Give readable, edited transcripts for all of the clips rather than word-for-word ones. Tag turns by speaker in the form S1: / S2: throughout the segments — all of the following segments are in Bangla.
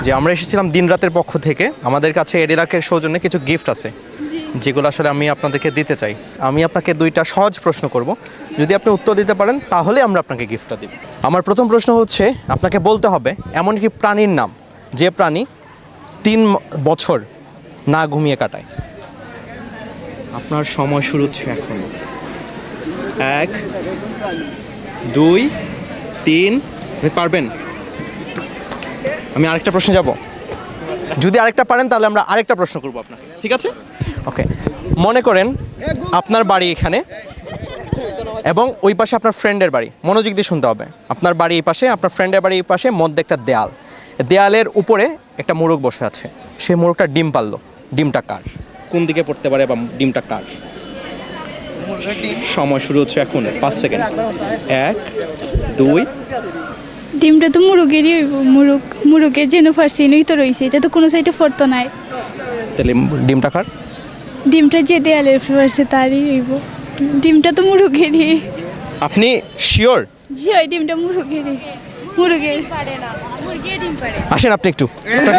S1: যে আমরা এসেছিলাম দিন রাতের পক্ষ থেকে, আমাদের কাছে এডিলাকের সৌজন্যে কিছু গিফট আছে যেগুলো আসলে আমি আপনাদেরকে দিতে চাই। আমি আপনাকে দুইটা সহজ প্রশ্ন করব, যদি আপনি উত্তর দিতে পারেন তাহলে আমরা আপনাকে গিফটটা দিব। আমার প্রথম প্রশ্ন হচ্ছে, আপনাকে বলতে হবে এমন কি প্রাণীর নাম যে প্রাণী 3 বছর না ঘুমিয়ে কাটায়। আপনার সময় শুরু হচ্ছে এখন। 1 2 3, আপনি পারবেন? আমি আরেকটা প্রশ্ন যাব, যদি আরেকটা পারেন তাহলে আমরা আরেকটা প্রশ্ন করব আপনাকে, ঠিক আছে? ওকে, মনে করেন আপনার বাড়ি এখানে এবং ওই পাশে আপনার ফ্রেন্ডের বাড়ি। মনোযোগ দিয়ে শুনতে হবে। আপনার বাড়ি এই পাশে, আপনার ফ্রেন্ডের বাড়ি এই পাশে, মধ্যে একটা দেয়াল, দেয়ালের উপরে একটা মোরগ বসে আছে। সেই মোরগটা ডিম পারলো। ডিমটা কার? কোন দিকে পড়তে পারে বা ডিমটা কার? সময় শুরু হচ্ছে এখন, 5 সেকেন্ড। 1 2।
S2: ডিমটা তো মুরগেরই হইব, মুরগের যেন ফার্সিনই তো রয়েছে, এটা তো কোনো সাইডে ফরতো নাই।
S1: তাহলে ডিমটা কার?
S2: ডিমটা যে দেয়ালের ফার্সে তারই হইব। ডিমটা তো মুরগেরই।
S1: আপনি শিওর?
S2: জি হয়, ডিমটা মুরগেরই। মুরগের পারে না, মুরগি ডিম পারে।
S1: আসেন আপনি একটু।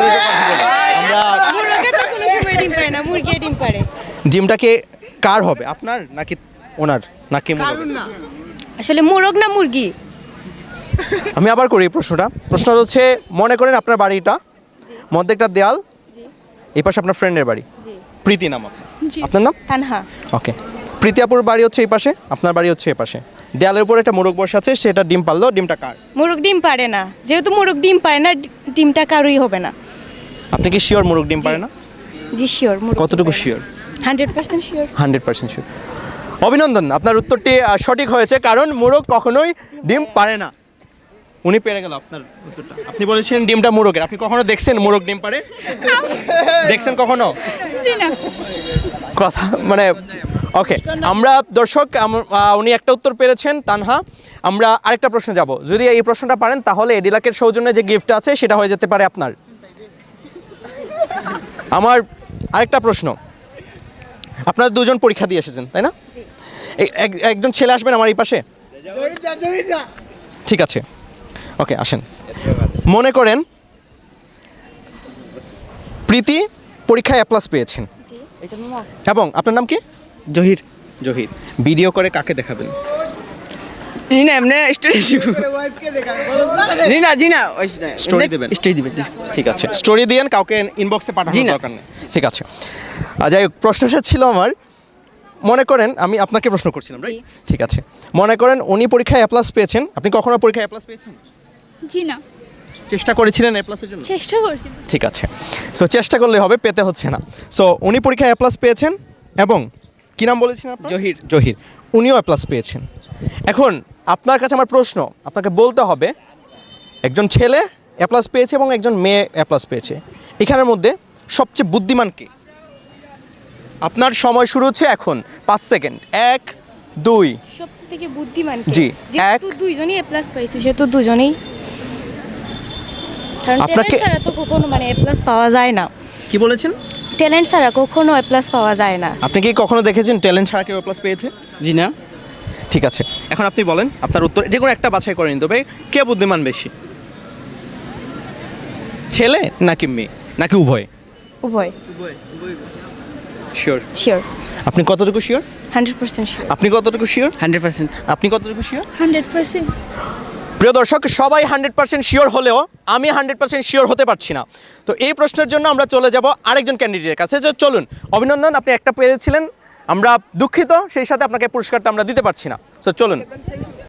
S2: মুরগে তো কোনো সময় ডিম পারে না, মুরগি ডিম পারে।
S1: ডিমটাকে কার হবে, আপনার নাকি ওনার নাকি মুরগের?
S3: আসলে মোরগ না মুরগি?
S1: আমি আবার করি প্রশ্নটা। প্রশ্নটা হচ্ছে, মনে করেন আপনার বাড়িটা মধ্যে একটা দেয়াল, এই পাশে আপনার ফ্রেন্ডের বাড়ি। প্রীতি নাম আপনার?
S2: জি।
S1: আপনার নাম?
S3: তানহা।
S1: ওকে, প্রীতি আপুর বাড়ি হচ্ছে এই পাশে, আপনার বাড়ি হচ্ছে এই পাশে। দেয়ালের উপরে একটা মোরগ বসে আছে, সেটা ডিম পারলো। ডিমটা কার?
S3: মোরগ ডিম পারে না, যেহেতু মোরগ ডিম পারে না, ডিমটা কারোই হবে না।
S1: আপনি কি শিওর মোরগ ডিম পারে না?
S3: জি শিওর।
S1: কতটুকু শিওর?
S3: 100% শিওর।
S1: 100% শিওর। অভিনন্দন, আপনার উত্তরটি সঠিক হয়েছে, কারণ মোরগ কখনোই ডিম পারে না। উনি পেরে গেল আপনার উত্তরটা। আপনি বলেছেন ডিমটা মোরগের। আপনি কখনো দেখছেন মোরগ ডিম পারে? দেখছেন কখনো?
S2: জি না।
S1: কথা মানে ওকে, আমরা দর্শক উনি একটা উত্তর পেরেছেন, তানহা। আমরা আরেকটা প্রশ্ন যাব, যদি এই প্রশ্নটা পারেন তাহলে এডিলাকের সৌজন্যে যে গিফট আছে সেটা হয়ে যেতে পারে আপনার। আমার আরেকটা প্রশ্ন, আপনারা দুজন পরীক্ষা দিয়ে এসেছেন তাই না? একজন ছেলে আসবেন আমার এই পাশে, ঠিক আছে? ওকে, আসেন। মনে করেন প্রীতি পরীক্ষায় A+ পেয়েছেন, এবং আপনার নাম কি?
S4: জহির।
S1: জহির। ভিডিও করে কাকে দেখাবেন?
S4: জিনা এমনি স্টোরি দিব। জিনা
S1: স্টোরি দেবেন?
S4: স্টোরি দিবেন।
S1: ঠিক আছে, স্টোরি দিয়েন, কাউকে ইনবক্সে পাঠানোর
S4: জি না।
S1: দরকার নেই। ঠিক আছে। যাই হোক, প্রশ্নটা ছিল আমার, মনে করেন আমি আপনাকে প্রশ্ন করছিলাম, রাইট? ঠিক আছে, মনে করেন উনি পরীক্ষায় A+ পেয়েছেন। আপনি কখনো পরীক্ষায় A+ পেয়েছেন?
S2: জি না।
S1: চেষ্টা করেছিলেন A+ এর জন্য?
S2: চেষ্টা করছি।
S1: ঠিক আছে, সো চেষ্টা করলে হবে, পেতে হচ্ছে না। সো উনি পরীক্ষায় A+ পেয়েছেন, এবং কি নাম বলেছেন আপনার?
S4: জহির।
S1: জহির। উনিও A+ পেয়েছেন। এখন আপনার কাছে আমার প্রশ্ন, আপনাকে বলতে হবে একজন ছেলে A+ পেয়েছে এবং একজন মেয়ে A+ পেয়েছে, এখানের মধ্যে সবচেয়ে বুদ্ধিমান কে? আপনার সময় শুরু হচ্ছে এখন, 5 সেকেন্ড। 1 2।
S3: সবথেকে বুদ্ধিমান কে?
S1: জি,
S3: যেহেতু দুইজনই A+ পাইছে, সেহেতু দুজনেই। কারণ
S1: আপনাকে-
S3: ট্যালেন্ট ছাড়া তো কখনো মানে A+ পাওয়া যায় না।
S1: কি বলেছেন?
S3: ট্যালেন্ট ছাড়া কখনো A+ পাওয়া যায় না।
S1: আপনি কি কখনো দেখেছেন ট্যালেন্ট ছাড়া কেউ A+ পেয়েছে?
S4: জিনা।
S1: ঠিক আছে, এখন আপনি বলেন আপনার উত্তর, যে কোনো একটা বাছাই করে নিতে হবে। কে বুদ্ধিমান বেশি, ছেলে নাকি মেয়ে নাকি উভয়?
S3: উভয়।
S1: শিওর?
S3: শিওর।
S1: আপনি কতটুকু শিওর?
S3: 100% শিওর।
S1: আপনি কতটুকু শিওর?
S4: 100%।
S1: আপনি কতটুকু শিওর?
S2: 100%।
S1: প্রিয় দর্শক, সবাই 100% শিওর হলেও আমি 100% শিওর হতে পারছি না। তো এই প্রশ্নের জন্য আমরা চলে যাব আরেকজন ক্যান্ডিডেটের কাছে। চলুন, অভিনন্দন, আপনি একটা পেয়েছিলেন, আমরা দুঃখিত, সেই সাথে আপনাকে পুরস্কারটা আমরা দিতে পারছি না। সো চলুন।